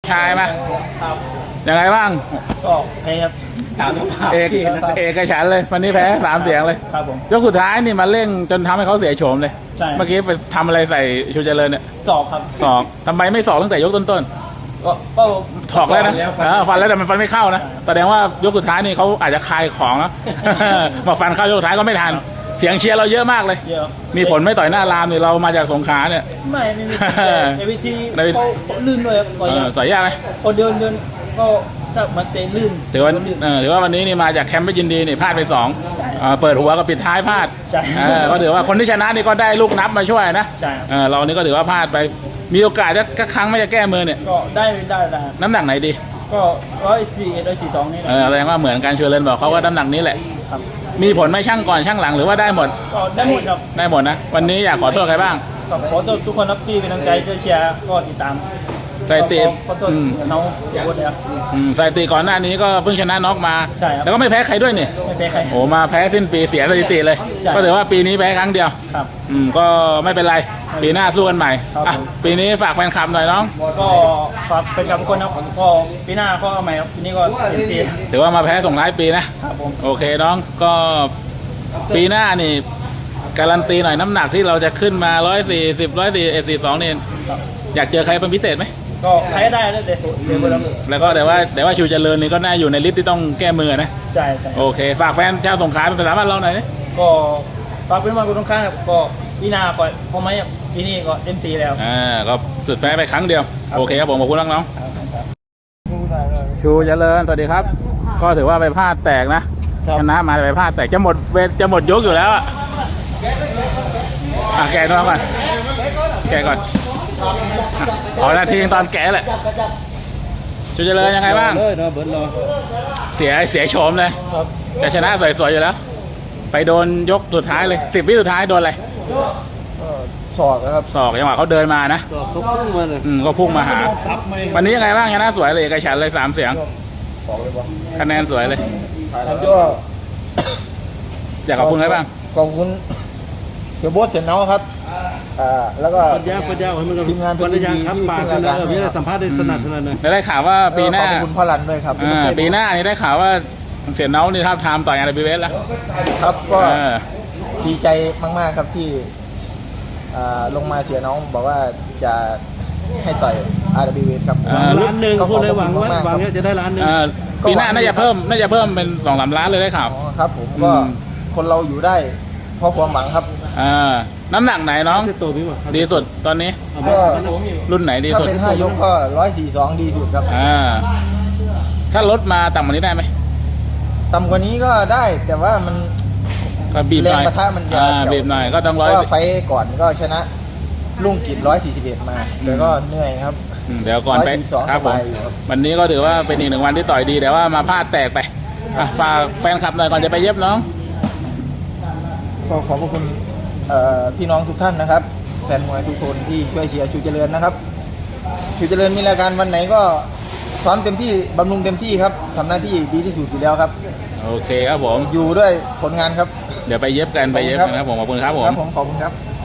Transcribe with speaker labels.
Speaker 1: ชายมา
Speaker 2: ครับ
Speaker 1: ยังไงบ้าง
Speaker 2: ก็แพ้ครับตาม
Speaker 1: เอกฉันท์เลยวันนี้แพ้3 เสียงเลย
Speaker 2: ครับผม
Speaker 1: ยกสุดท้ายนี่มาเร่งจนทำให้เขาเสียโฉมเลย
Speaker 2: ใช่
Speaker 1: เมื่อกี้ไปทำอะไรใส่ชูเจริญเนี่ย
Speaker 2: สอบครับ
Speaker 1: ศอกทำไมไม่ศอกตั้งแต่ยกต้น
Speaker 2: ก็
Speaker 1: ๆถอกแล้วนะฟันแล้วแต่มันฟันไม่เข้านะแสดงว่ายกสุดท้ายนี่เขาอาจจะคลายของนะ มาฟันเข้ายกสุดท้ายก็ไม่ทันเสียงเชียร์เราเยอะมากเลย
Speaker 2: เยอะ
Speaker 1: มีผลไม่ต่อยหน้ารามนี่เรามาจากสงขลาเนี่ย
Speaker 2: ไม่มีในวิธีเขาลื่นด้วยครับต่อยยาก
Speaker 1: ต่อยยากไหม
Speaker 2: พอเดินก็ถ้ามันเตะลื่น
Speaker 1: ถือว่าวันนี้นี่มาจากแคมป์ไม่ยินดีนี่พลาดไป2เปิดหัวกับปิดท้ายพลาด
Speaker 2: ใช่
Speaker 1: ก็ถือว่าคนที่ชนะนี่ก็ได้ลูกนับมาช่วยนะ
Speaker 2: ใช่
Speaker 1: เรานี่ก็ถือว่าพลาดไปมีโอกาสจะครั้งไม่จะแก้มือเนี่ย
Speaker 2: ก็ได้
Speaker 1: น้ำหนักไหนดี
Speaker 2: ก็141 142นี่แหละ
Speaker 1: แสดงว่าเหมือนกันเชอร์เลนบอกเขาว่าน้ำหนักนี้แหละ
Speaker 2: ครับ
Speaker 1: มีผลไหม่ช่างก่อนช่างหลังหรือว่าได้หมด
Speaker 2: ก็ได้หมดครับ
Speaker 1: ได้หมดนะวันนี้อยากขอโทษใครบ้าง
Speaker 2: ก็ขอโทษทุกคนครับที่เป็นกำลังใจช่วยเชียร์ก็ติดตาม
Speaker 1: สถิติ
Speaker 2: ขอโทษน้องทุกคนเลยครับ
Speaker 1: สถิติก่อนหน้านี้ก็เพิ่งชนะน็อกมา
Speaker 2: ใช่ครับ
Speaker 1: แล้วก็ไม่แพ้ใครด้วยนี่
Speaker 2: ไม่แพ้ใคร
Speaker 1: โอ้มาแพ้สิ้นปีเสียสถิติเลย
Speaker 2: ใช่
Speaker 1: ก็ถือว่าปีนี้แพ้ครั้งเดียว
Speaker 2: ครับ
Speaker 1: ก็ไม่เป็นไรปีหน้าสู้กันใหม่
Speaker 2: ครับ
Speaker 1: อ่ะปีนี้ฝากแฟนคลับหน่อยน้อง
Speaker 2: ก็ฝากเป็นกับทุกคนครับก็ปีหน้าก็เอาใหม่ครับปีนี้ก็เต็มที่
Speaker 1: ถือว่ามาแพ้ส่งท้ายปีนะครับ
Speaker 2: ผม
Speaker 1: โอเคน้องก็ปีหน้านี่การันตีหน่อยน้ำหนักที่เราจะขึ้นมา140 142นี่
Speaker 2: ครับ
Speaker 1: อยากเจอใครเป็นพิเศษไหม
Speaker 2: ก็ใครได้แล้วแต่เสียไปแล้ว
Speaker 1: แล้วก็แต่ว่าชิวเจริญนี่ก็น่าอยู่ในลิสต์ที่ต้องแก้มือนะ
Speaker 2: ใช่ใช่
Speaker 1: โอเคฝากแฟนชาวสงขลาเป็นภาษาบ้านเราหน่อยนะ
Speaker 2: ก็ฝากเป็นมาคุณตรงข้างครับก็ปีหน้าก็พอไหมครับปีนี้ก็เต็มที่แล้ว
Speaker 1: ก็สุดแพ้ไปครั้งเดียว
Speaker 2: ครับ
Speaker 1: โอเคครับผมขอบคุณน้อง
Speaker 2: ครับ
Speaker 1: ๆชูเจริญสวัสดีครับ ก็ถือว่าไปพลาดแตกนะชนะมาไปพลาดแตกจะหมดยกอยู่แล้วแกะน้องก่อนแกะก่อนขอนาทีตอนแกะแหละชูเจริญยังไงบ้าง
Speaker 2: เลยนะเบิร์ดรอ
Speaker 1: เสียโฉมเลย
Speaker 2: ครับ
Speaker 1: แต่ชนะสวยๆอยู่แล้ว ไปโดนยกสุดท้ายเลย10 วิสุดท้ายโดนอะไร
Speaker 2: สอดนะครับ
Speaker 1: ศอกจังหวะเขาเดินมานะ
Speaker 2: สอดทุกขึ้นมาเลย
Speaker 1: ก็พุ่งมาหา
Speaker 2: ซับไม่
Speaker 1: วันนี้ยังไงบ้างชนะสวยเลยเอกฉันท์เลย3 เสียง
Speaker 2: บอกเลยว่า
Speaker 1: คะแนนสวยเลย
Speaker 2: แล้วก็
Speaker 1: อยากขอบคุณใครบ้าง
Speaker 2: ขอบคุณเสียโบ๊ทเสียเนาครับแล้วก็
Speaker 3: ปัญญาให้มัน
Speaker 2: ทีมงาน
Speaker 3: ปัญญาครับปากกันแล้วมีอะไรสัมภาษณ์ได้สนัดขนาดไหน
Speaker 1: ได้ข่าวว่าปีหน้า
Speaker 2: ขอบคุณพ่อรันด้วยครับ
Speaker 1: ปีหน้านี่ได้ข่าวว่าเสียเนานี่ท้าบทามต่อยงานBBSแล้ว
Speaker 2: ครับก็
Speaker 1: เออ
Speaker 2: ดีใจมากๆครับที่ลงมาเสียน้องบอกว่าจะให้ต่อย RWB ครับ
Speaker 3: ล้านหนึ่งพูดเลยหวังว่าจะได้ล้านหนึ่ง
Speaker 1: ปีหน้าน่าจะเพิ่มเป็น2-3 ล้านเลยได้ข่าว
Speaker 2: ครับผมก็คนเราอยู่ได้เพราะความหวังครับ
Speaker 1: น้ำหนักไหนน้อง
Speaker 3: จะโตพี่หมด
Speaker 1: ดีสุดตอนนี้
Speaker 2: ก็
Speaker 1: รุ่นไหนดี
Speaker 2: ถ้า
Speaker 1: สุด
Speaker 2: เป็น5 ยกก็142ดีสุดครับ
Speaker 1: ถ้าลดมาต่ำกว่านี้ได้ไหม
Speaker 2: ต่ำกว่านี้ก็ได้แต่ว่ามัน
Speaker 1: ก็บีบห
Speaker 2: แร
Speaker 1: น่
Speaker 2: ง
Speaker 1: อย
Speaker 2: ปะทะมันจะ
Speaker 1: บีบหน่อยก็ต้อง
Speaker 2: เพราะว่าไฟต์ก่อนก็ชนะลุงกิจ141 มาแต่ก็เหนื่อยครับ
Speaker 1: เดี๋ยวก่อนไป
Speaker 2: 142
Speaker 1: ครับผม
Speaker 2: สบายอยู่ครับ
Speaker 1: วันนี้ก็ถือว่าเป็นอีก1 วันที่ต่อยดีแต่ว่ามาพลาดแตกไปฝากแฟนคลับหน่อยก่อนจะไปเย็บน้อง
Speaker 2: ก็ขอบพระคุณพี่น้องทุกท่านนะครับแฟนมวยทุกคนที่ช่วยเชียร์ชูเจริญนะครับชูเจริญมีรายการวันไหนก็ซ้อมเต็มที่บำรุงเต็มที่ครับทำหน้าที่ดีที่สุดอยู่แล้วครับ
Speaker 1: โอเคครับผม
Speaker 2: อยู่ด้วยผลงานครับ
Speaker 1: เดี๋ยวไปเย็บกันนะครับผมขอบคุณครับผม
Speaker 2: ขอบคุณครับ